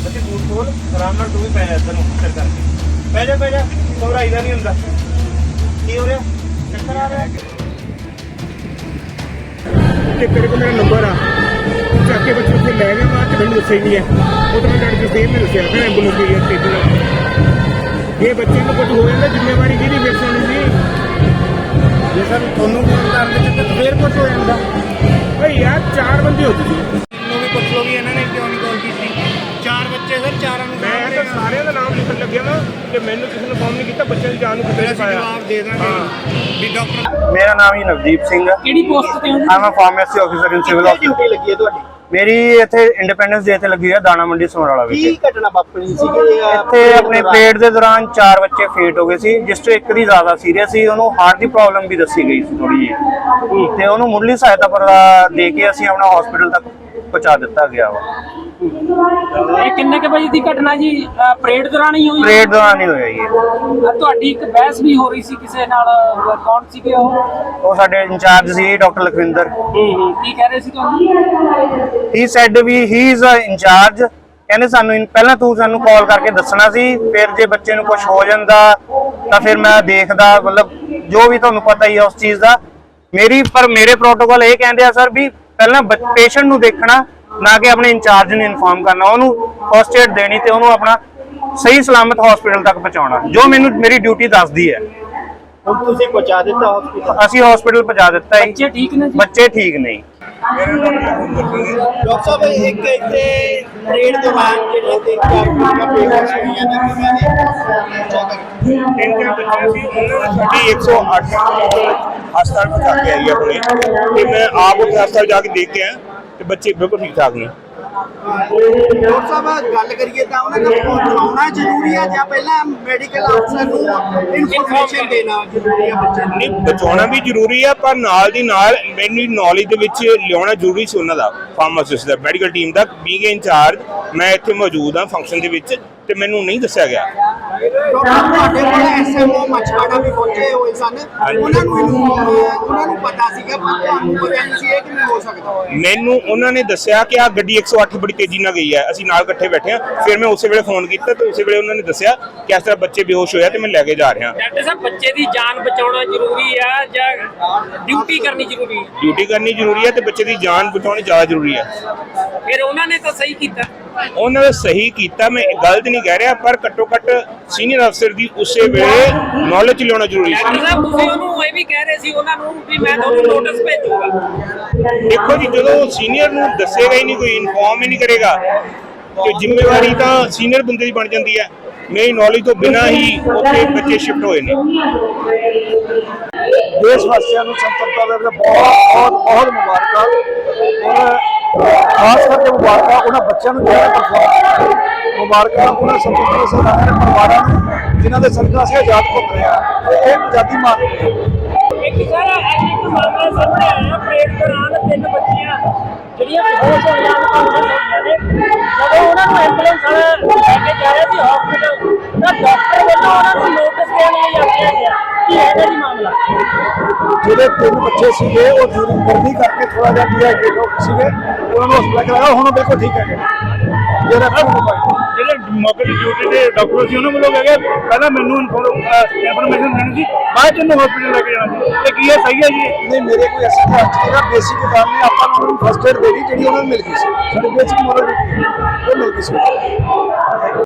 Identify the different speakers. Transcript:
Speaker 1: ਬੱਚੇ ਬੂਟ ਖੋਲ ਆਰਾਮ ਨਾਲ, ਤੂੰ ਵੀ ਪੈ ਜਾ ਇੱਧਰ ਨੂੰ ਸਿਰ ਕਰਕੇ, ਪੈ ਜਾ ਘਬਰਾਈਦਾ ਨਹੀਂ ਹੁੰਦਾ। ਕੀ ਹੋ ਰਿਹਾ? ਚੱਕਰ ਆ ਰਿਹਾ
Speaker 2: ਕਿ ਤੇਰੇ ਕੋਲ ਮੇਰਾ ਨੰਬਰ ਆ, ਚੱਕ ਕੇ ਬੱਚੇ ਉੱਥੇ ਲੈ ਗਿਆ, ਬਾਅਦ 'ਚ ਮੈਨੂੰ ਦੱਸਿਆ ਹੀ ਨਹੀਂ ਹੈ। ਉਹ ਤਾਂ ਮੈਂ ਡਾਕਟਰ ਸਾਹਿਬ ਨੇ ਦੱਸਿਆ ਫਿਰ ਐਂਬੂਲੈਂਸ ਗਈ ਹੈ ਤੇ ਇਹ ਬੱਚੇ ਨੂੰ ਕੁਝ ਹੋ ਜਾਂਦਾ ਜ਼ਿੰਮੇਵਾਰੀ ਕਿਹਦੀ ਫਿਰ ਸੁਣੀ ਜੀ?
Speaker 1: ਜੇ ਸਰ ਤੁਹਾਨੂੰ ਫੋਨ ਕਰ ਦੇ ਤੇ ਫੇਰ ਕੁਝ ਹੋ ਜਾਂਦਾ।
Speaker 2: ਭਾਈ ਯਾਰ 4 ਬੰਦੇ ਹੋ ਤੁਸੀਂ,
Speaker 1: ਨੂੰ ਵੀ ਪੁੱਛ ਲਓ ਵੀ ਇਹਨਾਂ ਨੇ ਕਿਉਂ ਨਹੀਂ ਕਾਲ ਕੀਤੀ। 4 ਬੱਚੇ ਸਰ, 4 ਨੂੰ
Speaker 2: ਮੈਂ ਤਾਂ ਸਾਰਿਆਂ ਦਾ ਨਾਮ ਲਿਖਣ ਲੱਗਿਆ ਨਾ ਕਿ ਮੈਨੂੰ ਕਿਸੇ ਨੇ ਫੋਨ ਨਹੀਂ ਕੀਤਾ, ਬੱਚਿਆਂ ਦੀ ਜਾਨ ਨੂੰ ਕਿਤੇ ਨਹੀਂ ਪਾਇਆ।
Speaker 1: ਜਵਾਬ ਦੇ ਦਾਂਗੇ ਵੀ ਡਾਕਟਰ। ਮੇਰਾ ਨਾਮ ਹੀ ਨਵਦੀਪ ਸਿੰਘ ਹੈ।
Speaker 3: ਕਿਹੜੀ ਪੋਸਟ ਤੇ ਹੋ?
Speaker 1: ਮੈਂ pharmacy officer in civil hospital.
Speaker 3: Duty ਲੱਗੀ ਹੈ ਤੁਹਾਡੀ?
Speaker 1: ਮੇਰੀ ਇੱਥੇ ਇੰਡੀਪੈਂਡੈਂਸ ਡੇ ਤੇ ਲੱਗੀ ਹੈ ਦਾਣਾ ਮੰਡੀ ਸਮਰਾਲਾ ਵਿੱਚ।
Speaker 3: ਕੀ ਘਟਨਾ ਵਾਪਰੀ ਸੀਗੀ
Speaker 1: ਇੱਥੇ ਆਪਣੇ ਪੇਟ ਦੇ ਦੌਰਾਨ 4 ਬੱਚੇ ਫੇਟ ਹੋ ਗਏ ਸੀ, ਜਿਸ ਤੋਂ ਇੱਕ ਦੀ ਜ਼ਿਆਦਾ ਸੀਰੀਅਸ ਸੀ, ਉਹਨੂੰ ਹਾਰਟ ਦੀ ਪ੍ਰੋਬਲਮ ਵੀ ਦੱਸੀ ਗਈ ਸੀ ਥੋੜੀ ਜਿਹੀ, ਤੇ ਉਹਨੂੰ ਮੁੱਢਲੀ ਸਹਾਇਤਾ ਪਰ ਦੇ ਕੇ ਅਸੀਂ ਆਪਣਾ ਹਸਪੀਟਲ ਤੱਕ ਪਹੁੰਚਾ ਦਿੱਤਾ ਗਿਆ ਵਾ।
Speaker 3: ਇਹ ਕਿੰਨੇ ਕੇ ਵਜੇ ਦੀ ਘਟਨਾ ਜੀ? ਪਰੇਡ ਦੌਰਾਨ ਹੀ ਹੋਈ?
Speaker 1: ਪਰੇਡ ਦੌਰਾਨ ਹੀ ਹੋਇਆ ਜੀ।
Speaker 3: ਤੁਹਾਡੀ ਇੱਕ ਬਹਿਸ ਵੀ ਹੋ ਰਹੀ ਸੀ ਕਿਸੇ ਨਾਲ, ਕੌਣ ਸੀਗੇ
Speaker 1: ਉਹ ਸਾਡੇ ਇੰਚਾਰਜ ਸੀ ਡਾਕਟਰ ਲਖਵਿੰਦਰ।
Speaker 3: ਕੀ ਕਹਿ ਰਹੇ ਸੀ ਤੁਹਾਨੂੰ?
Speaker 1: He said we he is a incharge. ਕਹਿੰਦੇ ਸਾਨੂੰ ਪਹਿਲਾਂ ਤੂੰ ਸਾਨੂੰ ਕਾਲ ਕਰਕੇ ਦੱਸਣਾ ਸੀ, ਫਿਰ ਜੇ ਬੱਚੇ ਨੂੰ ਕੁਝ ਹੋ ਜਾਂਦਾ ਤਾਂ ਫਿਰ ਮੈਂ ਦੇਖਦਾ, ਮਤਲਬ ਜੋ ਵੀ ਤੁਹਾਨੂੰ ਪਤਾ ਹੀ ਹੈ ਉਸ ਚੀਜ਼ ਦਾ। ਮੇਰੇ ਪ੍ਰੋਟੋਕਾਲ ਇਹ ਕਹਿੰਦੇ ਆ ਸਰ ਵੀ ਪਹਿਲਾਂ ਪੇਸ਼ੈਂਟ ਨੂੰ ਦੇਖਣਾ, ਨਾ ਕਿ ਆਪਣੇ ਇੰਚਾਰਜ ਨੂੰ ਇਨਫਾਰਮ ਕਰਨਾ, ਉਹਨੂੰ ਫਸਟ ਏਡ ਦੇਣੀ ਤੇ ਉਹਨੂੰ ਆਪਣਾ ਸਹੀ ਸਲਾਮਤ ਹਸਪੀਟਲ ਤੱਕ ਪਹੁੰਚਾਉਣਾ, ਜੋ ਮੇਰੀ ਡਿਊਟੀ ਦੱਸਦੀ ਹੈ।
Speaker 3: ਹੁਣ ਤੁਸੀਂ ਪਹੁੰਚਾ ਦਿੱਤਾ ਹਸਪੀਟਲ?
Speaker 1: ਅਸੀਂ ਹਸਪੀਟਲ ਪਹੁੰਚਾ ਦਿੱਤਾ ਹੈ।
Speaker 3: ਬੱਚੇ ਠੀਕ ਨੇ ਜੀ?
Speaker 1: ਬੱਚੇ ਠੀਕ ਨਹੀਂ।
Speaker 3: ਡਾਕਟਰ ਸਾਹਿਬ ਇੱਕ ਇੱਥੇ ਪਰੇਡ ਦੌਰਾਨ ਜਿਹੜੇ 3-4 ਪੇਸ਼ੈਂਟਸ ਹੋਈਆਂ ਨੇ, ਕਿਵੇਂ ਨੇ?
Speaker 2: 3 ਬੱਚੇ ਸੀ, ਉਹਨਾਂ ਨੂੰ ਸਾਡੀ 108 ਹਸਪਤਾਲ ਪਹੁੰਚਾ ਕੇ ਆਈ ਆਪਣੇ, ਤੇ ਮੈਂ ਆਪ ਉੱਥੇ ਹਸਪਤਾਲ ਜਾ ਕੇ ਦੇਖ ਕੇ ਆਇਆ ਤੇ ਬੱਚੇ ਬਿਲਕੁਲ ਠੀਕ ਠਾਕ ਨੇ।
Speaker 3: ਡਾਕਟਰ ਸਾਹਿਬ ਗੱਲ ਕਰੀਏ ਤਾਂ ਉਹਨਾਂ ਨੂੰ ਪਹੁੰਚਾਉਣਾ ਜ਼ਰੂਰੀ ਹੈ ਜਾਂ ਪਹਿਲਾਂ ਮੈਡੀਕਲ ਅਫਸਰ ਨੂੰ ਇਨਫੋਰਮੇਸ਼ਨ ਦੇਣਾ ਜ਼ਰੂਰੀ ਹੈ ਬੱਚੇ ਨੂੰ?
Speaker 2: ਨਹੀਂ, ਬਚਾਉਣਾ ਵੀ ਜ਼ਰੂਰੀ ਆ, ਪਰ ਨਾਲ ਦੀ ਨਾਲ ਮੈਨੂੰ ਨੌਲੇਜ ਦੇ ਵਿੱਚ ਲਿਆਉਣਾ ਜ਼ਰੂਰੀ ਸੀ ਉਹਨਾਂ ਦਾ, ਫਾਰਮਾਸਿਸਟ ਦਾ, ਮੈਡੀਕਲ ਟੀਮ ਦਾ। ਬੀਇੰਗ ਇੰਚਾਰਜ ਮੈਂ ਇੱਥੇ ਮੌਜੂਦ ਹਾਂ ਫੰਕਸ਼ਨ ਦੇ ਵਿੱਚ, ਤੇ ਮੈਨੂੰ ਨਹੀਂ ਦੱਸਿਆ ਗਿਆ।
Speaker 3: ਤੁਹਾਡੇ ਕੋਲ ਐਸਐਮਓ ਮਛਵਾੜਾ ਵੀ ਪਹੁੰਚੇ ਹੋਏ ਸਨ, ਉਹਨਾਂ ਨੂੰ ਪਤਾ ਸੀਗਾ, ਪਰ ਤੁਹਾਨੂੰ ਪਤਾ ਨਹੀਂ ਸੀ ਇਹ ਕਿਵੇਂ ਹੋ ਸਕਦਾ?
Speaker 2: ਮੈਨੂੰ ਉਹਨਾਂ ਨੇ ਦੱਸਿਆ ਕਿ ਆ ਗੱਡੀ 108 ਬੜੀ ਤੇਜ਼ੀ ਨਾਲ ਗਈ ਹੈ, ਅਸੀਂ ਨਾਲ ਇਕੱਠੇ ਬੈਠੇ ਹਾਂ। ਫਿਰ ਮੈਂ ਉਸੇ ਵੇਲੇ ਫੋਨ ਕੀਤਾ ਤੇ ਉਸੇ ਵੇਲੇ ਉਹਨਾਂ ਨੇ ਦੱਸਿਆ ਕਿ ਇਸ ਤਰ੍ਹਾਂ ਬੱਚੇ ਬੇਹੋਸ਼ ਹੋਇਆ ਤੇ ਮੈਂ ਲੈ ਕੇ ਜਾ ਰਿਹਾ।
Speaker 4: ਡਾਕਟਰ ਸਾਹਿਬ, ਬੱਚੇ ਦੀ ਜਾਨ ਬਚਾਉਣਾ ਜ਼ਰੂਰੀ ਆ ਜਾਂ ਡਿਊਟੀ ਕਰਨੀ ਜ਼ਰੂਰੀ ਹੈ?
Speaker 2: ਡਿਊਟੀ ਕਰਨੀ ਜ਼ਰੂਰੀ ਹੈ ਤੇ ਬੱਚੇ ਦੀ ਜਾਨ ਬਚਾਉਣੀ ਜ਼ਿਆਦਾ ਜ਼ਰੂਰੀ ਹੈ।
Speaker 4: ਫਿਰ ਉਹਨਾਂ ਨੇ ਤਾਂ ਸਹੀ ਕੀਤਾ।
Speaker 2: ਉਹਨਾਂ ਨੇ ਸਹੀ ਕੀਤਾ, ਮੈਂ ਗਲਤ ਨਹੀਂ ਕਹਿ ਰਿਹਾ, ਪਰ ਘੱਟੋ ਘੱਟ ਸੀਨੀਅਰ ਅਫਸਰ ਦੀ ਉਸੇ ਵੇਲੇ ਨੌਲੇਜ ਲਿਆਉਣਾ ਜ਼ਰੂਰੀ ਸੀ।
Speaker 4: ਡਾਕਟਰ ਸਾਹਿਬ, ਤੁਸੀਂ ਉਹਨੂੰ ਇਹ ਵੀ ਕਹਿ ਰਹੇ ਸੀ ਉਹਨਾਂ ਨੂੰ ਵੀ ਮੈਂ ਤੁਹਾਨੂੰ ਨੋਟਿਸ ਭੇਜੂਗਾ।
Speaker 2: ਦੇਖੋ ਜੀ, ਜਦੋਂ ਸੀਨੀਅਰ ਨੂੰ ਦੱਸੇਗਾ ਹੀ ਨਹੀਂ, ਕੋਈ ਇਨਫੋਰਮ ਹੀ ਨਹੀਂ ਕਰੇਗਾ, ਤੇ ਜ਼ਿੰਮੇਵਾਰੀ ਤਾਂ ਸੀਨੀਅਰ ਬੰਦੇ ਦੀ ਬਣ ਜਾਂਦੀ ਹੈ। ਮੇਰੀ ਨੌਲੇਜ ਤੋਂ ਬਿਨਾਂ ਹੀ ਉੱਥੇ ਬੱਚੇ ਸ਼ਿਫਟ ਹੋਏ ਨੇ।
Speaker 5: ਦੇਸ਼ ਵਾਸੀਆਂ ਨੂੰ ਸੰਤਪਤਾ ਦੇ ਬਹੁਤ ਮੁਬਾਰਕਾਂ, ਔਰ ਖਾਸ ਕਰਕੇ ਮੁਬਾਰਕਾਂ ਉਹਨਾਂ ਬੱਚਿਆਂ ਨੂੰ ਜਿਹੜਾ ਪਰਫਾਰਮ, ਮੁਬਾਰਕਾਂ ਉਹਨਾਂ ਸੰਤਪਤਾ ਦੇ ਸਰਦਾਰਾਂ ਦੇ ਪਰਿਵਾਰਾਂ ਨੂੰ ਜਿਨ੍ਹਾਂ ਦੇ ਸਦਕਾ ਅਸੀਂ ਆਜ਼ਾਦ ਘੁੰਮ ਰਹੇ ਹਾਂ, ਤੇ ਇਹ ਆਜ਼ਾਦੀ ਮਾਣ ਰਹੇ
Speaker 4: ਇੱਕ ਸਾਰਾ ਇੱਕ ਮਾਮਲਾ ਸਾਹਮਣੇ ਆਇਆ, ਪਰੇਡ ਦੌਰਾਨ 3 ਬੱਚੀਆਂ ਜਿਹੜੀਆਂ ਬੇਹੋਸ਼ ਹੋ ਜਾਂਦੀਆਂ ਨੇ, ਜਦੋਂ ਉਹਨਾਂ ਨੂੰ ਐਂਬੂਲੈਂਸ ਵਾਲਾ ਲੈ ਕੇ ਜਾ ਰਿਹਾ ਸੀ ਹਸਪੀਟਲ, ਤਾਂ ਡਾਕਟਰ ਵੱਲੋਂ ਉਹਨਾਂ ਨੂੰ ਨੋਟਿਸ ਦੇਣ ਲਈ ਆਖਿਆ ਗਿਆ। ਕੀ ਹੈ ਜੀ ਮਾਮਲਾ?
Speaker 5: ਜਿਹੜੇ 3 ਬੱਚੇ ਸੀਗੇ ਉਹ ਗਰਮੀ ਕਰਕੇ ਥੋੜਾ ਜਿਹਾ ਡੀਹਾਈਡਰੇਟ ਹੋ ਗਏ ਸੀਗੇ, ਉਹਨਾਂ ਨੂੰ ਹਸਪਤਾਲ ਕਰਾਇਆ, ਹੁਣ ਬਿਲਕੁਲ ਠੀਕ ਹੈਗੇ।
Speaker 2: ਜਿਹੜੇ ਮੌਕੇ ਦੀ ਡਿਊਟੀ ਦੇ ਡਾਕਟਰ ਸੀ ਉਹਨਾਂ ਵੱਲੋਂ ਕਹਿ ਗਏ ਪਹਿਲਾਂ ਮੈਨੂੰ ਇਨਫੋਰਮੇਸ਼ਨ ਦੇਣੀ ਸੀ, ਬਾਅਦ ਚ ਇਹਨੂੰ ਹਸਪੀਟਲ ਲੈ ਕੇ ਜਾਣਾ ਸੀ, ਤੇ ਕੀ ਇਹ ਸਹੀ ਹੈ ਜੀ?
Speaker 5: ਨਹੀਂ, ਮੇਰੇ ਕੋਈ ਐਸੀ ਜਿਹੜਾ ਬੇਸਿਕ ਕੰਮ ਨਹੀਂ, ਆਪਾਂ ਨੂੰ ਫਸਟ ਏਡ ਦੇਣੀ ਜਿਹੜੀ ਉਹਨਾਂ ਨੂੰ ਮਿਲ ਗਈ ਸੀ, ਸਾਡੇ ਬੇਸਿਕ ਮੋਰਲ ਉਹ ਮਿਲ ਗਈ ਸੀ।